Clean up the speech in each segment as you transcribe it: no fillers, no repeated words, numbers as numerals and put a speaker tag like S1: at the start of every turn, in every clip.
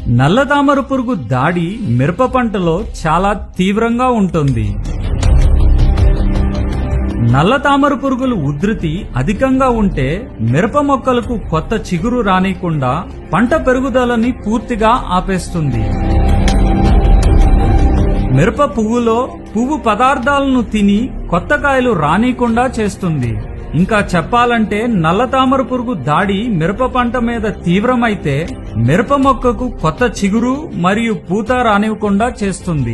S1: నల్లతామర పురుగు దాడి మిరప పంటలో చాలా తీవ్రంగా ఉంటుంది. నల్లతామర పురుగుల ఉధృతి అధికంగా ఉంటే మిరప మొక్కలకు కొత్త చిగురు రానికుండా పంట పెరుగుదలని పూర్తిగా ఆపేస్తుంది. మిరప పువ్వులో పువ్వు పదార్థాలను తిని కొత్త కాయలు రానీకుండా చేస్తుంది. ఇంకా చెప్పాలంటే నల్లతామర పురుగు దాడి మిరప పంట మీద తీవ్రమైతే మిరప మొక్కకు కొత్త చిగురు మరియు పూత రానివ్వకుండా చేస్తుంది.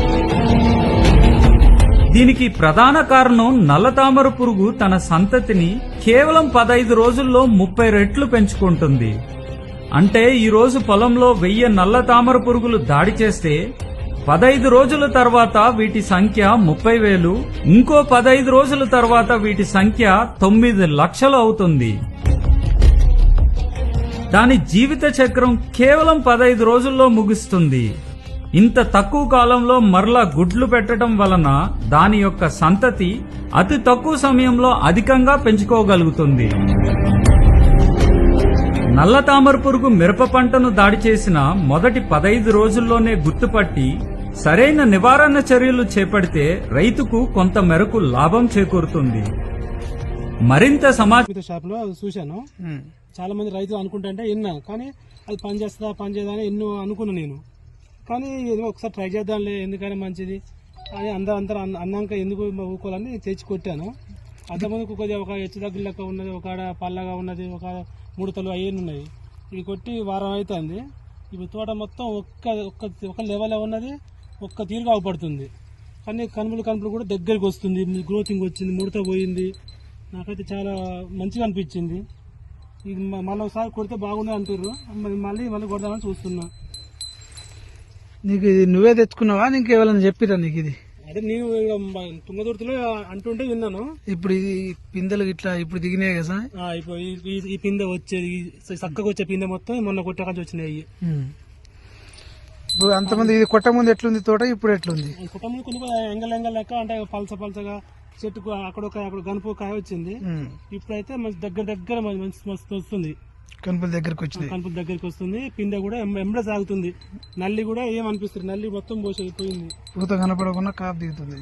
S1: దీనికి ప్రధాన కారణం నల్లతామర పురుగు తన సంతతిని కేవలం 15 రోజుల్లో 30 రెట్లు పెంచుకుంటుంది. అంటే ఈ రోజు పొలంలో 1000 నల్లతామర పురుగులు దాడి చేస్తే 15 రోజుల తర్వాత వీటి సంఖ్య 30,000, ఇంకో 15 రోజుల తర్వాత వీటి సంఖ్య 9 లక్షలు అవుతుంది. దాని జీవిత చక్రం కేవలం 15 రోజుల్లో ముగుస్తుంది. ఇంత తక్కువ కాలంలో మరలా గుడ్లు పెట్టడం వలన దాని యొక్క సంతతి అతి తక్కువ సమయంలో అధికంగా పెంచుకోగలుగుతుంది. నల్లతామర పురుగు మిరప పంటను దాడి చేసిన మొదటి 15 రోజుల్లోనే గుర్తుపట్టి సరైన నివారణ చర్యలు చేపడితే రైతుకు కొంత మేరకు లాభం చేకూరుతుంది. మరింత సమాచారం
S2: షాప్ లో చూశాను. చాలా మంది రైతులు అనుకుంటుంటే విన్నా, కానీ అది పనిచేయదా అని ఎన్నో అనుకున్నా నేను. కానీ ఏదో ఒకసారి ట్రై చేద్దాంలే, ఎందుకైనా మంచిది అని అందరూ అన్నాక ఎందుకు ఊకోవాలని తెచ్చి కొట్టాను. అంతమందికి కొద్దిగా ఒక హెచ్చు దగ్గర లెక్క ఉన్నది, ఒక పల్లగా ఉన్నది, ఒక 3 తలు అయ్యేది ఉన్నాయి. ఇవి కొట్టి వారం అవుతుంది. ఇప్పుడు తోట మొత్తం ఒక్క లెవెల్ ఉన్నది, ఒక్క తీరుగా అవపడుతుంది. కానీ కనుపులు కూడా దగ్గరికి వస్తుంది, గ్రోతింగ్ వచ్చింది, ముడత పోయింది. నాకైతే చాలా మంచిగా అనిపించింది. ఇది మళ్ళీ ఒకసారి కొడితే బాగుంది అంటారు, మళ్ళీ కొడదామని చూస్తున్నా.
S3: నీకు ఇది నువ్వే తెచ్చుకున్నావా, నీకు ఎవరైనా చెప్పిరా నీకు ఇది?
S2: అదే నేను తుంగదుర్తిలో అంటుంటే విన్నాను.
S3: ఇప్పుడు ఈ పిందెలు ఇట్లా ఇప్పుడు దిగినాయి కదా.
S2: ఇప్పుడు ఈ పిందె వచ్చేది, చక్కగా వచ్చే పిందె మొత్తం మొన్న కొట్టకాల్సి వచ్చినాయి.
S3: ఇప్పుడు అంతమంది ఇది కొట్ట ముందు ఎట్లుంది తోట, ఇప్పుడు ఎట్లుంది?
S2: కొట్ట ముందు కొన్ని ఎంగల్ లెక్క అంటే పలసగా చెట్టుకు అక్కడ గనుపు కాయ వచ్చింది. ఇప్పుడైతే మంచి దగ్గర మస్తు వస్తుంది,
S3: కనుపుల దగ్గరకు వచ్చింది.
S2: కనుపుల దగ్గరికి వస్తుంది. పిందె కూడా ఎంబడే సాగుతుంది. నల్లి కూడా ఏమనిపిస్తుంది, నల్లి మొత్తం పోయింది.
S3: పూత కనపడకుండా కాపు దిగుతుంది.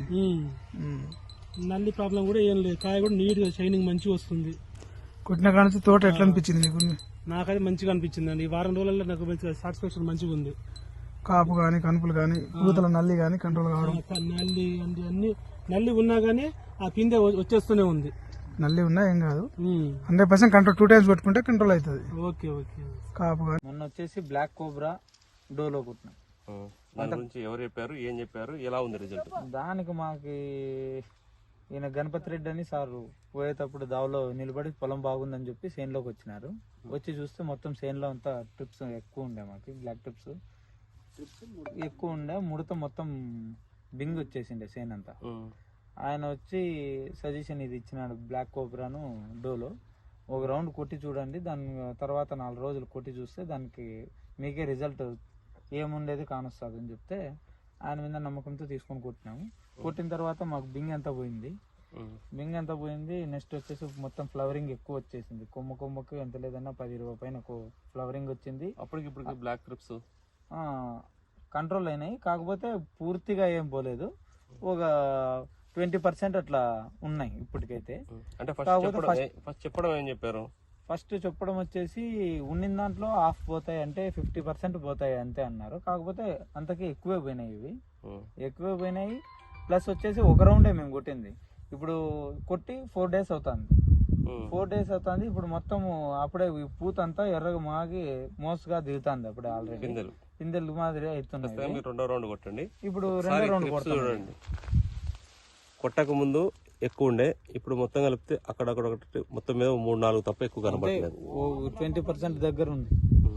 S2: నల్లి ప్రాబ్లం కూడా ఏం లేదు. కాయ కూడా నీట్ గా షైనింగ్ మంచిగా వస్తుంది.
S3: కొట్టిన కానించి తోట ఎట్లా అనిపించింది నీకు?
S2: నాకైతే మంచిగా అనిపించింది అండి. ఈ వారం రోజుల్లో నాకు మంచిగా సాటిస్ఫాక్షన్ మంచిగా ఉంది.
S3: కాపు గాని, కనుపులు గాని, పూతల నల్లి గాని కంట్రోల్ కావడం.
S2: నల్లి ఉన్నా గానీ ఆ పిందె వచ్చేస్తూనే ఉంది.
S3: నల్లి ఉన్నా ఏం కాదు, 100% కంట్రోల్. 2 టైమ్స్ పెట్టుకుంటే కంట్రోల్ అవుతుంది.
S2: Okay okay.
S3: కాపు గాని
S4: మొన్న వచ్చేసి బ్లాక్ కోబ్రా డోలో కుట్టిన.
S5: దాని గురించి ఎవరు చెప్పారు, ఏం చెప్పారు, ఎలా ఉంది రిజల్ట్?
S4: దానికి మాకి ఈయన గణపతి రెడ్డి అని సార్ పోయేటప్పుడు దావలో నిలబడి పొలం బాగుందని చెప్పి సేన్లోకి వచ్చినారు. వచ్చి చూస్తే మొత్తం సేన్లో అంతా ట్రిప్స్ ఎక్కువ ఉండే, మాకి బ్లాక్ ట్రిప్స్ ఎక్కువ ఉండే, ముడత మొత్తం బింగ్ వచ్చేసిండే సేన్ అంతా. ఆయన వచ్చి సజెషన్ ఇది ఇచ్చినాడు, బ్లాక్ కోబ్రాను డోలో ఒక రౌండ్ కొట్టి చూడండి, దాని తర్వాత 4 రోజులు కొట్టి చూస్తే దానికి మీకే రిజల్ట్ ఏముండేది కానొస్తుంది అని చెప్తే ఆయన మీద నమ్మకంతో తీసుకొని కొట్టినాము. కొట్టిన తర్వాత మాకు బింగ్ ఎంత పోయింది. నెక్స్ట్ వచ్చేసి మొత్తం ఫ్లవరింగ్ ఎక్కువ వచ్చేసింది. కొమ్మకు ఎంత లేదన్నా 10-20 పైన ఫ్లవరింగ్ వచ్చింది.
S5: అప్పటికి బ్లాక్ ట్రిప్స్
S4: కంట్రోల్ అయినాయి, కాకపోతే పూర్తిగా ఏం పోలేదు. ఒక 20% అట్లా ఉన్నాయి ఇప్పటికైతే.
S5: అంటే ఫస్ట్ చెప్పడం ఏం చెప్పారు?
S4: ఫస్ట్ చెప్పడం వచ్చేసి ఉన్న దాంట్లో హాఫ్ పోతాయి, అంటే 50% పోతాయి అంతే అన్నారు. కాకపోతే అంతకీ ఎక్కువే పోయినాయి. ప్లస్ వచ్చేసి ఒక రౌండే మేము కొట్టింది. ఇప్పుడు కొట్టి 4 డేస్ అవుతుంది. ఇప్పుడు మొత్తం అప్పుడే పూత అంతా ఎర్రగా మాగి మోసగా దిగుతుంది. అప్పుడే ఆల్రెడీ పిందెలు మాదిరి అవుతున్నాయి.
S5: 2వ రౌండ్ కొట్టండి.
S4: ఇప్పుడు 2వ రౌండ్
S5: చూడండి. కొట్టక ముందు ఎక్కువ ఉండే, ఇప్పుడు మొత్తం కలిపితే అక్కడక్కడ మొత్తం మీద 3-4 తప్ప ఎక్కువ కనబడలేదు.
S4: 20% దగ్గర ఉంది.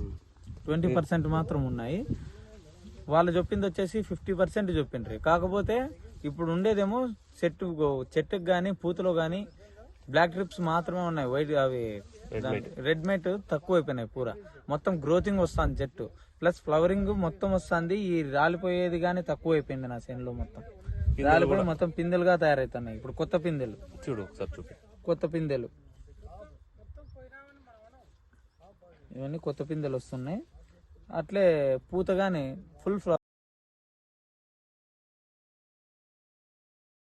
S4: 20% మాత్రం ఉన్నాయి. వాళ్ళు చెప్పింది వచ్చేసి 50% చెప్పిండ్రు. కాకపోతే ఇప్పుడు ఉండేదేమో చెట్టుకు గానీ పూతలో గానీ బ్లాక్ ట్రిప్స్ మాత్రమే ఉన్నాయి. వైట్ అవి రెడ్ మేట్ తక్కువ అయిపోయినాయి. పూరా మొత్తం గ్రోతింగ్ వస్తుంది చెట్టు, ప్లస్ ఫ్లవరింగ్ మొత్తం వస్తుంది. ఈ రాలిపోయేది గానీ తక్కువ అయిపోయింది నా చేనులో. మొత్తం రాలిపోయి మొత్తం పిందెలుగా తయారవుతున్నాయి. ఇప్పుడు కొత్త పిందెలు
S5: చూడు ఒకసారి చూపి.
S4: కొత్త పిందెలు ఇవన్నీ కొత్త పిందెలు వస్తున్నాయి. అట్లే పూతగానే ఫుల్